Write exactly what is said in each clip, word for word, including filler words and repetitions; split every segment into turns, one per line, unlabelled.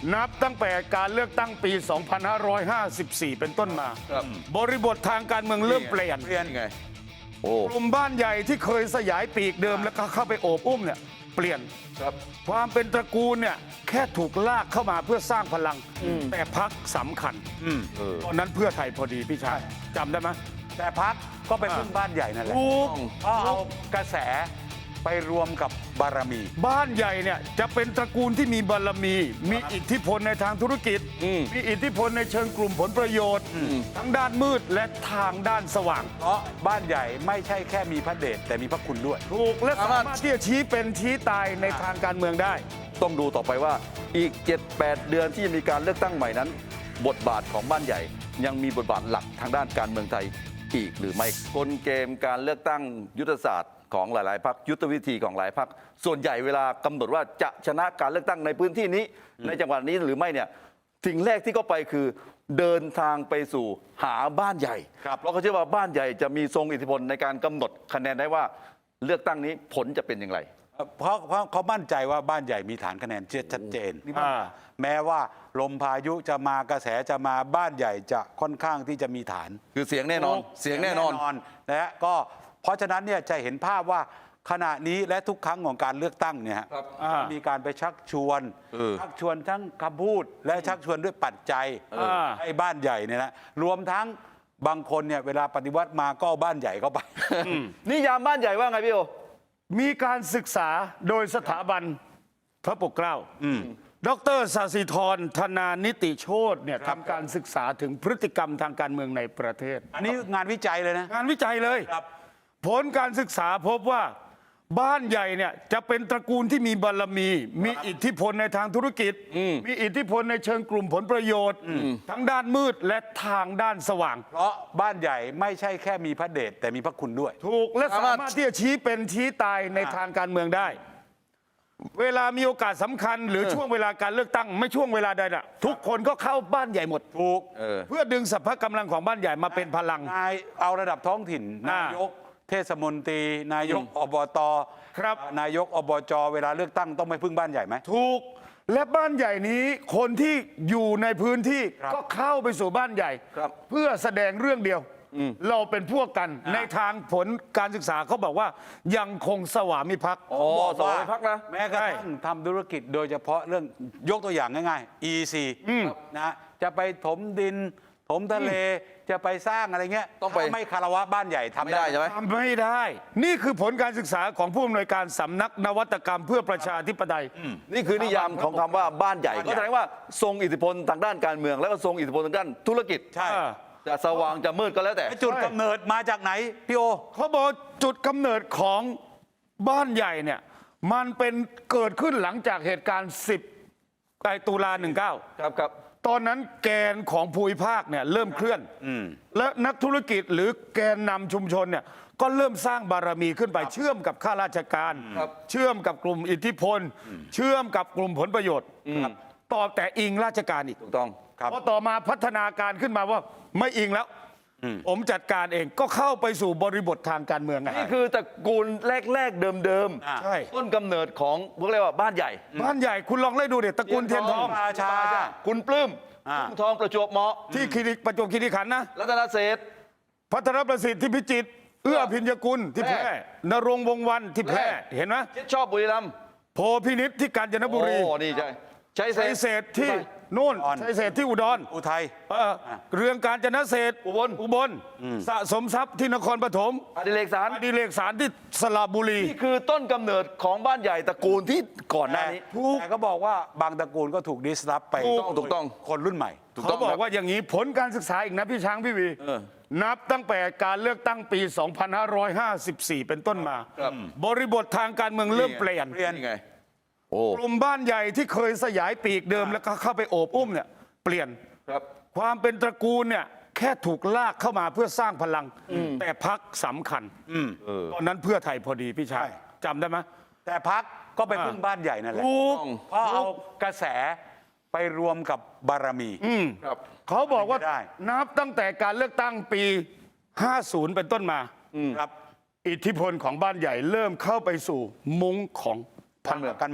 นับตั้งแต่การเลือกตั้งปี สองพันห้าร้อยห้าสิบสี่ เป็นต้นมา บริบททางการเมืองเริ่มเปลี่ยน
เปลี่ยนไงโอ้
กลุ่มบ้านใหญ่ที่เคยสยายปีกเดิมแล้วก็เข้าไปโอบอุ้มเนี่ยเปลี่ยน
ครับ
ความเป็นตระกูลเนี่ยแค่ถูกลากเข้ามาเพื่อสร้างพลัง แต่พักสำคัญ
เออ
ตอนนั้นเพื่อไทยพอดีพี่ชายจำได้ไหม
แต่พักก็ไปพึ่งบ้านใหญ่นั่นแหละ
ถูก
เพราะเอากระแสไปรวมกับบารมี
บ้านใหญ่เนี่ยจะเป็นตระกูลที่มีบารมี มีอิทธิพลในทางธุรกิจ มีอิทธิพลในเชิงกลุ่มผลประโยชน์ ทั้งด้านมืดและทางด้านสว่าง
เพราะบ้านใหญ่ไม่ใช่แค่มีพระเดชแต่มีพระคุณด้วย
ถูกและสามารถที่จะชี้เป็นชี้ตายในทางการเมืองได้
ต้องดูต่อไปว่าอีก เจ็ดแปด เดือนที่จะมีการเลือกตั้งใหม่นั้น บทบาทของบ้านใหญ่ ยังมีบทบาทหลักทางด้านการเมืองไทยอีกหรือไม่กลเกมการเลือกตั้งยุทธศาสตร์ของหลายๆพรรคยุทธวิธีของหลายพรรคส่วนใหญ่เวลากำหนดว่าจะชนะการเลือกตั้งในพื้นที่นี้ ในจังหวัดนี้หรือไม่เนี่ยสิ่งแรกที่เขาไปคือเดินทางไปสู่หาบ้านใหญ่
ครับ
เพราะเขาเชื่อว่าบ้านใหญ่จะมีทรงอิทธิพลในการกำหนดคะแนนได้ว่าเลือกตั้งนี้ผลจะเป็นอย่างไร
เพราะเพราะเขามั่นใจว่าบ้านใหญ่มีฐานคะแนนชัดเจนนี่มัน
อ่า
แม้ว่าลมพายุจะมากระแสจะมาบ้านใหญ่จะค่อนข้างที่จะมีฐาน
คือเสียงแน่นอนเสียงแน่นอน
นะฮะก็เพราะฉะนั้นเนี่ยจะเห็นภาพว่าขณะนี้และทุกครั้งของการเลือกตั้งเนี่ยฮะ
ครับ
อ่า
มีการไปชักชวน
เออ
ชักชวนทั้งคำพูดและชักชวนด้วยปัจจัย
อ่า
ให้บ้านใหญ่เนี่ยนะรวมทั้งบางคนเนี่ยเวลาปฏิวัติมาก็เอาบ้านใหญ่เข้าไป
นิยามบ้านใหญ่ว่าไงพี่โอ
มีการศึกษาโดยสถาบันพระปกเกล้าดรศาสิธรธนานิติโชตเนี่ยทำการศึกษาถึงพฤติกรรมทางการเมืองในประเทศ
อันนี้งานวิจัยเลยนะ
งานวิจัยเลย
ครับ
ผลการศึกษาพบว่าบ้านใหญ่เนี่ยจะเป็นตระกูลที่มีบารมี มีอิทธิพลในทางธุรกิจ มีอิทธิพลในเชิงกลุ่มผลประโยชน์ ทั้งด้านมืดและทางด้านสว่าง
เพราะบ้านใหญ่ไม่ใช่แค่มีพระเดชแต่มีพระคุณด้วย
ถูกและ
สา
สาม
ารถ
มารถที่จะชี้เป็นชี้ตายในทางการเมืองได้ เวลามีโอกาสสำคัญ หรือช่วงเวลาการเลือกตั้งไม่ช่วงเวลาใดน่ะทุกคนก็เข้าบ้านใหญ่หมด
ถูก
เออ
เพื่อดึงสรรพกำลังของบ้านใหญ่มาเป็นพลัง
นายเอาระดับท้องถิ่น
อ่าน
ายกเทศมนตรี นายกอบต
ครับ
นายกอบจเวลาเลือกตั้งต้องไม่พึ่งบ้านใหญ่ไหม
ถูกและบ้านใหญ่นี้คนที่อยู่ในพื้นที่
ครับ
ก็เข้าไปสู่บ้านใหญ่
ครับ
เพื่อแสดงเรื่องเดียว เราเป็นพวกกัน
อ่า
ในทางผลการศึกษาเขาบอกว่ายังคงสวามิภักดิ์
อ๋อสองพักนะ
แม้กระทั่งทำธุรกิจโดยเฉพาะเรื่องยกตัวอย่างง่ายๆ อี ซี นะจะไปถมดิน ถมทะเลจะไปสร้างอะไรเงี้ย
ต้องไป
ถ้าไม่คารวะบ้านใหญ่ทำ
ไม่ได้ใช่ไหม
ทำไม่ได้ นี่คือผลการศึกษาของผู้อำนวยการสำนักนวัตกรรมเพื่อประชาธิปไตย
นี่คือนิยามของคำว่าบ้านใหญ่ ก็แสดงว่าทรงอิทธิพลทางด้านการเมือง แล้วก็ทรงอิทธิพลทางด้านธุรกิจ
ใช่
อ่า
จะสว่างจะมืดก็แล้วแต่
ไอ้จุดกำเนิดมาจากไหนพี่โอ
เขาบอกจุดกำเนิดของบ้านใหญ่เนี่ยมันเป็นเกิดขึ้นหลังจากเหตุการณ์ สิบ ไอตุลาหนึ่งเก้า
ครับครับ
ตอนนั้นแกนของภูมิภาคเนี่ยเริ่มเคลื่อน และนักธุรกิจหรือแกนนำชุมชนเนี่ยก็เริ่มสร้างบารมีขึ้นไป เชื่อมกับข้าราชการ
ครับ
เชื่อมกับกลุ่มอิทธิพล เชื่อมกับกลุ่มผลประโยชน์ครับต่อแต่อิงราชการอีก
ถูกต้อง
ครับ
พอต่อมาพัฒนาการขึ้นมาว่าไม่อิงแล้ว ผมจัดการเองก็เข้าไปสู่บริบททางการเมืองไง
นี่คือตระกูลแรกๆเดิม
อ่า
ใช่
ต้นกำเนิดของพวกเรียกว่าบ้านใหญ่
บ้านใหญ่คุณลองไล่ดูเด็ตระกูลเทียนทอง
ราชา
คุณปลื้ม
อ่า
คุณทองประจวบเหมาะ
ที่คีรีประจวบคีรีขันธ์นะ
รัตนเศรษฐ์
พัทรประสิทธิ์ที่พิจิตรเอื้อพิญญกุลที่แพร่
แพร่
นรงค์วงศ์วันที่แพร่
แพร่
เห็นไหม
ชิดชอบบุรีรัมย์
โพพินิษที่กาญจนบุรี
โอ้นี่ใช่ใช้เศ
ชั
ร
ย
ษฐ์
เศรษฐ์ที่นู่น
อุดร
ชัยเศรษฐ์ที่อุดร
อุทัย
เอ่อเรืองการจนเศรษฐ์
อุบล
อุบลสะสมทรัพย์ที่นครปฐม
อดิเรกสาร
อดีเลกสารที่สระบุรี
นี่คือต้นกำเนิดของบ้านใหญ่ตระกูลที่ก่อนหน้านี้
แต่ก็บอกว่าบางตระกูลก็ถูกดิสรับไป
ถูก
ถูกต้อง
คนรุ่นใหม่
ถูกต้
เขา
อง
บอ
ครั
กว่าอย่างนี้ผลการศึกษาอีกนะพี่ช้างพี่วี
เออ
นับตั้งแต่การเลือกตั้งปี สองพันห้าร้อยห้าสิบสี่ เป็นต้นมา
ครับ
บริบททางการเมืองเริ่มเปลี่ยน
เปลี่ยน
นี่ไงโอ้
กลุ่มบ้านใหญ่ที่เคยสยายปีกเดิมแล้วก็เข้าไปโอบอุ้มเนี่ยเปลี่ยน
ครับ
ความเป็นตระกูลเนี่ยแค่ถูกลากเข้ามาเพื่อสร้างพลัง แต่พักสำคัญ
เออ
ตอนนั้นเพื่อไทยพอดีพี่ชาย
ใช่
จำได้ไหม
แต่พักก็ไป
อ่า
พึ่งบ้านใหญ่นั่นแหละ
ถูก
เพราะเอากระแสไปรวมกับบารมี
ครับ
เขาบอกว่า
ไม่ได้
นับตั้งแต่การเลือกตั้งปี ห้าสิบ เป็นต้นมา
ครับ
อิทธิพลของบ้านใหญ่เริ่มเข้าไปสู่มุ้งของ
ทางการเมือง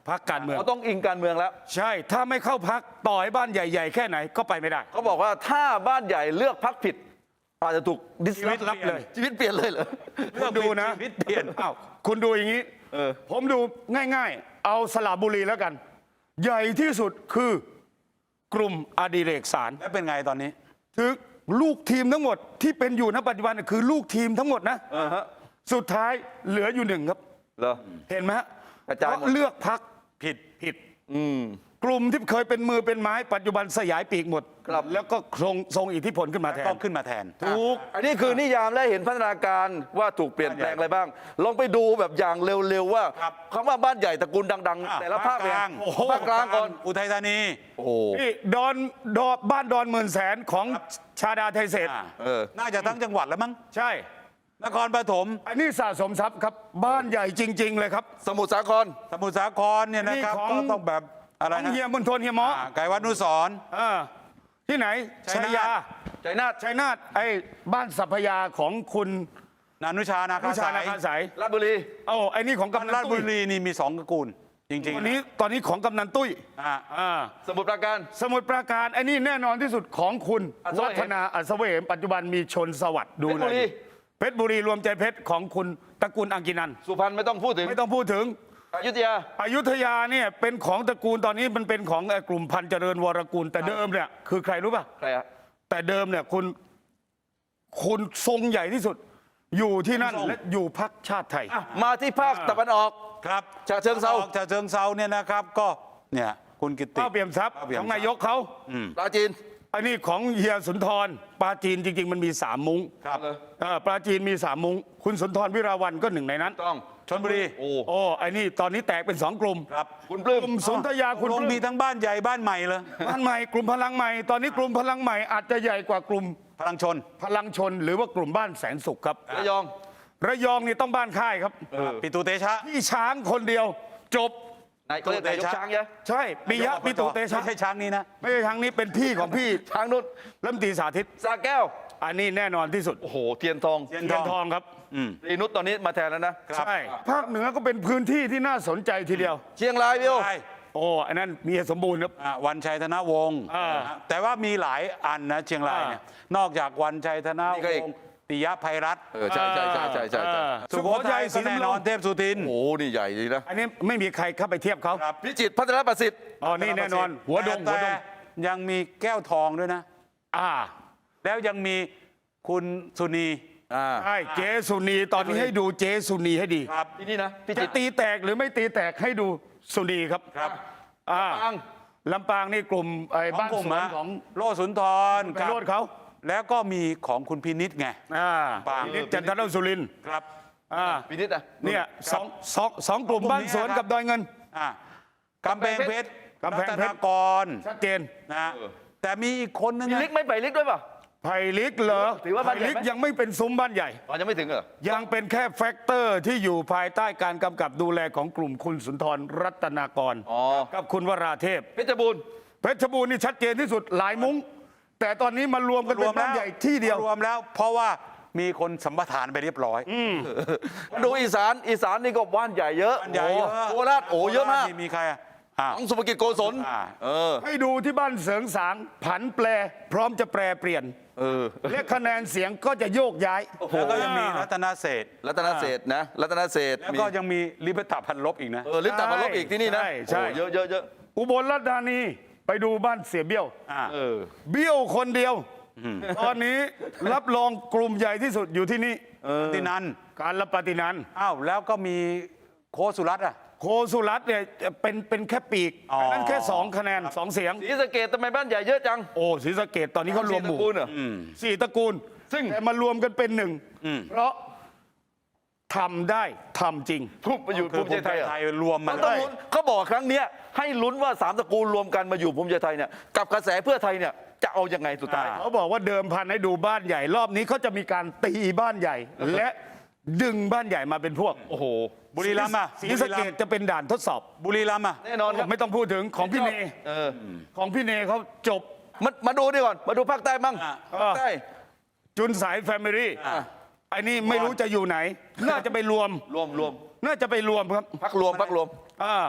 พักการเมือง
เขาต้องอิงการเมืองแล้ว
ใช่ ถ้าไม่เข้าพักต่อให้บ้านใหญ่ ๆ แค่ไหนก็ไปไม่ได้
เขาบอกว่าถ้าบ้านใหญ่เลือกพักผิด อาจจะถูกดิส
ชีวิตรับเลย
ชีวิตเปลี่ยนเลยเหรอ
คุณดูนะ
ชีวิตเปลี่ยน
อ้าวคุณดูอย่างนี้
เออ
ผมดูง่ายๆ เอาสระบุรีแล้วกัน ใหญ่ที่สุดคือกลุ่มอดิเรกสาร
แล้วเป็นไงตอนนี้
ถึงลูกทีมทั้งหมดที่เป็นอยู่ณปัจจุบันน่ะคือลูกทีมทั้งหมดนะ
อ่าฮะ
สุดท้ายเหลืออยู่หนึ่งครับ
เหรอ
เห็นไหมฮะ
กระจายหมด
เพราะเลือกพัก
ผิด
ผิด
อืม
กลุ่มที่เคยเป็นมือเป็นไม้ปัจจุบันสยายปีกหมด
ครับ
แล้วก็ทรงทรงอิทธิพลขึ้นมาแทน
ก็ขึ้นมาแทน
ถูก
อันนี้คือนิยามและเห็นพัฒนาการว่าถูกเปลี่ยนแปลงอะไรบ้าง ลองไปดูแบบอย่างเร็วๆว่า
ครับ
คำว่าบ้านใหญ่ตระกูลดัง
อ่ะ
ๆ แต่ละภาค
ภาคกลาง
โอ้โหภาคกลางก่อน
อุทัยธานี
โอ้โห
นี่ดอนดอนบ้านดอนหมื่นแสนของชาดาไทยเศรษฐ์
อ่า
เออ
น่าจะทั้งจังหวัดแล้วมั้ง
ใช่
นครปฐม
อันนี้สะสมทรัพย์ครับ บ้านใหญ่จริง ๆ เลยครับ
สมุทรสาคร
สมุทรสาครเนี่ยนะครับ
นี่ของ
ก็ต้องแบบอะไร
ของ
นะ
เฮียมณฑลเฮียหมอ
อ่าไกรวัดนุสรณ์
อ่าที่ไหน
ชั
ชั
ย
ย
นาท
ยา
ใจนาท
ชัยนาทไอ้บ้านสัพพยาของคุณ
นานุชานา
นุ
คา
ชา
สา
นาคาย สาย
ราชบุรี
โอ้ไอ้นี่ของกำนั
ราช
น
บุ
ตุ้ย
รีนี่มีสองตระกูล จริง
ตอน
ๆ
นี้ตอนนี้ของกำนันตุ้ย
อ่า
อ่า
สมุทรปราการ
สมุทรปราการไอ้นี่แน่นอนที่สุดของคุณ
อัศวะ
วัฒนาอัศเวมปัจจุบันมีชนสวัสดิ์ดู
เพชรบุ
เล
รี
ยเพชรบุรีรวมใจเพชรของคุณตระกูลอังกินัน
สุพรรณไม่ต้องพูดถึง
ไม่ต้องพูดถึง
อยุธยา
อยุธยาเนี่ยเป็นของตระกูลตอนนี้มันเป็นของเอ่อกลุ่มพันธุ์เจริญวรกุลแต่เดิมเนี่ยคือใครรู้ป่ะ
ใครอะ
แต่เดิมเนี่ยคุณคุณทรงใหญ่ที่สุด อยู่ที่นั่น
ทรง
และอยู่พักชาติไทย
มาที่ภาคตะวันออก
ครับ
ฉะเชิงเทรา
ออกฉะเชิงเซาเนี่ยนะครับ ก็เนี่ยคุณกิติ
ป้าเปี่ยมทรัพย์
ป้าเปี่ย
ข
ม
อง
ทรัพย์
นายกเขา
ปราจีน
อันนี้ของเฮียสุนทรปลาจีนจริง ๆ มันมีสามมุ้ง
ครับ
เอ่อปลาจีนมีสามมุ้งคุณสุนทรวิราวันก็หนึ่งในนั้น
ต้อง
ชนบุรี
โอ้
โอ้ไอ้นี่ตอนนี้แตกเป็นสองกลุ่ม
ครับ
คุณปลื้ม
กลุ่มสุนทรยาคุณ
ลง
ปลื้
มีทั้งบ้านใหญ่บ้านใหม่เลย
บ้านใหม่กลุ่มพลังใหม่ ตอนนี้กลุ่มพลังใหม่อาจจะใหญ่กว่ากลุ่ม
พลังชน
พลังชน หรือว่ากลุ่มบ้านแสนสุขครับ
ระยอง
ระยองนี่ต้องบ้านค่ายครับ
ปิตุเตชะ
พี่ช้างคนเดียว จบ
นายก็เรียกนายกช้างใช่ไหม
ใช่ปิยะปิตุเตชะ
ไม่ใช่ช้างนี้นะ
ไม่ใช่ช้างนี้เป็นพี่ของพี่
ช้างนุ่น
รัฐมนตรีสาธิต
สาแก้ว
อันนี้แน่นอนที่สุด
โอ้โห เทียนทอง
เทียน
เทียนทองครับ
รีนุชตอนนี้มาแทนแล้วนะ
ครับ
ใช่ภาคเหนือก็เป็นพื้นที่ที่น่าสนใจทีเดียว
เชียงรายพี่โอ
ใช่
โอ้อันนั้นมีสมบูรณ์ครับ
อ่าวันชัยธนวงศ์
อ่า
นะแต่ว่ามีหลายอันนะเชียงรายเนี่ยนอกจากวันชัยธนวงศ์ปิยะภัยรัตน์
เออ ใช่ใช่ใช่ใช่ใช่ใช่
อ่า
สุโขทัย
ศรี
ก็แน่
สำ
น
โร
อง นเทพสุทิน
โอ้โห นี่ใหญ่ดีนะ
อันนี้ไม่มีใครเข้าไปเทียบเขา
ครับ
พิจิตรพัฒนประสิทธิ์
อ๋อนี่แน่นอน หัวดงหัวด
แต่
ง
ยังมีแก้วทองด้วยนะ
อ่า
แล้วยังมีคุณสุนี
อ่า
ใช่เจสุนีตอนนี้ให้ดูเจสุนีให้ดี
ครับ
ที่นี่นะ พิ
จะ
จิตร
ตีแตกหรือไม่ตีแตกให้ดูสุนีครับ
ครับ
อ่า
ลำปาง
ลำปางนี่กลุ่มไอ้
ของ
บ้าน
กลุ่ม
สวน
ฮะ
ของ
โลสุนทร
ไปโรดเขา
แล้วก็มีของคุณพินิษไง
อ่า
ปาง
พินิจจันทรสุรินทร์
ครับ
อ่า
พินิจอ่ะ
เนี่ยสองสองสองกลุ่ม
สองกลุ่ม
บ้านสวน
นี้นะครับ
กับดอยเงิน
อ่ากำแพงเพชร
กำแพงเพชร
รัตนากร
ชัดเจน
นะแต่มีอีกคนนึง
มี
นะ
ลิกไหม่ไปลิกด้วยป่ะ
ไผ่ลิกเหรอ
ถือว่าบ้านใหญ่
ไผ่ลิก
ไหม
ยังไม่เป็นซุ้มบ้านใหญ่
อ๋อยังไม่ถึงเหรอ
ยังเป็นแค่แฟกเตอร์ที่อยู่ภายใต้การกำกับดูแลของกลุ่มคุณสุนทรรัตนากร
อ๋อ
กับคุณวราเทพ
เพชรบูรณ์
เพชรบูรณ์นี่ชัดเจนที่สุดหลายมุ้ง แต่ตอนนี้มารวมกัน
ร
เป็
วน ม
บ้า
แล้
น
ว
ใหญ่ที่เดียว
รวมแล้ว เพราะว่ามีคนสัมปทานไปเรียบร้อย
มาดูอีสาน อีสานนี่ก็บ้านใหญ่เยอะ
บ้านใหญ่เยอะ
โคราชโอ้เยอะมาก
โครชนี่มีใครอ่ะอ่า
ของสุภกิจโกศล
อ่า
เออ
ให้ดูที่บ้านเสริงสางผันแปร พร้อมจะแปรเปลี่ยน
เออ
และคะแนนเสียงก็จะโยกย้าย
แล้วก็ยังมีรัตนเศรษฐ์
รัตนเศรษฐ์นะ รัตนเศรษฐ์
แล้ว
มี
ก็ยังมีลิเบตาพันลบอีกนะ
เออลิปตาพันลบอีกที่นี่นะ
ใช่ใช่
โอ้เยอะเยอะเยอะ
อุบลราชธานีไปดูบ้านเสียเบี้ยว
อ่า
เออ
เบี้ยวคนเดียว ตอนนี้รับรองกลุ่มใหญ่ที่สุดอยู่ที่นี่
ตินัน
การรับปฏินันท์
อ้าวแล้วก็มีโคสุรัตน์อ่ะ
โคสุรัตน์เนี่ยเป็นเป็นแค่ปีก
อ๋ออั
นนั้นแค่สองคะแนนสองเสียง
ศรีสะเกดทำไมบ้านใหญ่เยอะจัง
โอ้ศรีสะเกดตอนนี้เขารวมหมู่
ศตระกูลเหรอ
สี่ตระกูล ซึ่งแต่มารวมกันเป็นหนึ่ง เพราะทำได้ทำจริง
ทุบมาอยู่
คือ
ภูมิใจไทยเหรอ
ไทยรวม
มั
มาน
ต้อง
เลย
ลุ้นเขาบอกครั้งเนี้ยให้ลุ้นว่าสามตระกูลรวมกันมาอยู่ภูมิใจไทยเนี่ยกับกระแสเพื่อไทยเนี่ยจะเอายังไงสุดท้าย
เขาบอกว่าเดิมพันให้ดูบ้านใหญ่ รอบนี้เขาจะมีการตีบ้านใหญ่ และดึงบ้านใหญ่มาเป็นพวก
โอ้โห
บุรีรัมย์อ่ะ
ศรีสะเกดจะเป็นด่านทดสอบ
บุรีรัมย์อ่ะ
แน่นอนครับ
ไม่ต้องพูดถึงของพี่เน
เออ
ของพี่เนเขาจบ
มามาดูดีก่อน มาดูภาคใต้บ้าง
อ่ะ
ภาคใต้
จุนสายแฟมิลี่
อ่ะ
ไอ้นี่ไม่รู้จะอยู่ไหน น่าจะไปรวม
รวมรวม
น่าจะไปรวมครับ
พักรวมพักรวม
อ่า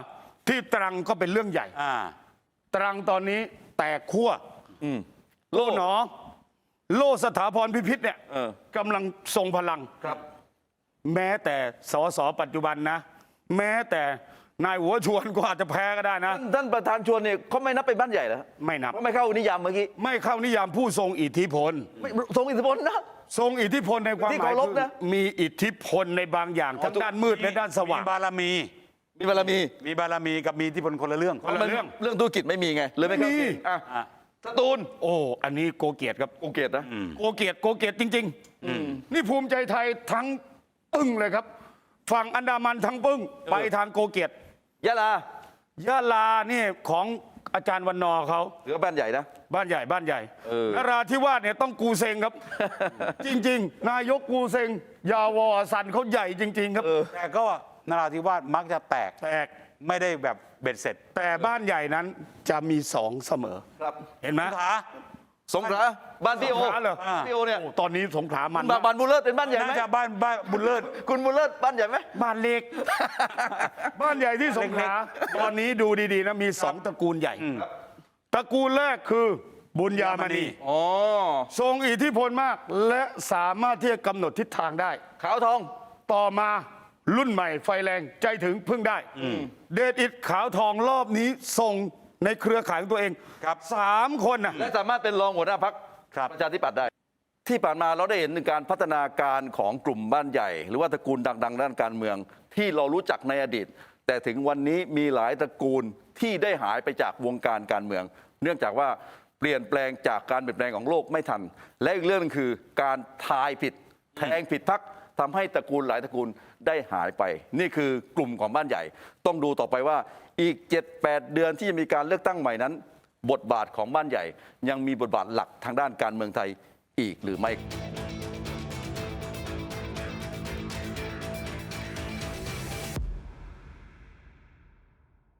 ที่ตรังก็เป็นเรื่องใหญ่
อ่า
ตรังตอนนี้แตกขั้ว
อืม
โล่หนอ โล่สถาพรพิพิธเนี่ย
เออ
กำลังทรงพลัง
ครับ
แม้แต่สสปัจจุบันนะ แม้แต่นายหัวชวนก็อาจจะแพ้ก็ได้นะ
ท่านท่านประธานชวนเนี่ยเขาไม่นับเป็นบ้านใหญ่เหรอ
ไม่นับ
เขาไม่เข้านิยามเมื่อกี้
ไม่เข้านิยามผู้ทรงอิทธิพล
ไม่ทรงอิทธิพลนะ
ทรงอิทธิพลในความ
ที่
หมาย
เคารพ
คือ
นะ
มีอิทธิพลในบางอย่างทั้งด้านมืดและด้านสว่าง
มีบารมี
มีบารมี
มีบารมีกับมีที่พลคนละเรื่อง
คนละเรื่อง
เรื่องธุรกิจไม่มีไงเลยไม่เข้า
มี
เกณฑ์อ่ะ
อ่ะ
สตูล
โอ้ อันนี้โกเกียรติครับ
โอเกตนะ
โกเกียรติโกเกียรติจริงๆนี่ภูมิใจไทยทั้งปึ้งเลยครับ ฝั่งอันดามันทั้งปึ้ง ไปทางโกเกียรติ
ยะลาย
ะลานี่ของอาจารย์วันนอร์เขา
ถือว่าบ้านใหญ่นะ
บ้านใหญ่บ้านใหญ่
เออ
นราธิวาสเนี่ยต้องกูเซงครับ จริง ๆ นายกกูเซง ยาวอสันเขาใหญ่จริง ๆ ครับ
แต่ก็นราธิวาสมักจะแตก
แตก
ไม่ได้แบบเบ็ดเสร็จ
แต่บ้านใหญ่นั้นจะมีสองเสมอ
ครับ
เห็นไหม
ขา
สงขลาบ้านพี่โอ
สงขลาเหรอ
พี่โอเนี่ย
โอ้ตอนนี้สงขลามัน
บ้านบ้านบุญเลิศเป็นบ้านใหญ่ไหม
น่าจะบ้านบ้านบุญเลิศ
คุณบุญเลิศบ้านใหญ่ไหม
บ้านเล็ก บ้านใหญ่ที่สงขลาตอนนี้ดูดีๆนะมีสองตระกูลใหญ่ ตระกูลแรกคือบุญญามณี
อ๋อ
ทรงอิทธิพลมาก และสามารถที่จะกำหนดทิศทางได้
ขาวทอง
ต่อมารุ่นใหม่ไฟแรงใจถึงพึ่งได้ เดชอิดขาวทองรอบนี้ส่งในเครือข่ายของตัวเอง
ครับ
สามคนนะ
และสามารถเป็นรองหัวหน้าพรรค
ครับ
ประชาธิปัตย์ได้ ที่ผ่านมาเราได้เห็นถึงการพัฒนาการของกลุ่มบ้านใหญ่ หรือว่าตระกูลดังๆ ด้านการเมือง ที่เรารู้จักในอดีต แต่ถึงวันนี้มีหลายตระกูลที่ได้หายไปจากวงการการเมือง เนื่องจากว่าเปลี่ยนแปลงจากการเปลี่ยนแปลงของโลกไม่ทัน และอีกเรื่องหนึงคือการทายผิดแทงผิดพรรคทำให้ตระกูลหลายตระกูลได้หายไป นี่คือกลุ่มของบ้านใหญ่ ต้องดูต่อไปว่าอีก เจ็ดแปด เดือนที่จะมีการเลือกตั้งใหม่นั้น บทบาทของบ้านใหญ่ ยังมีบทบาทหลักทางด้านการเมืองไทยอีกหรือไม่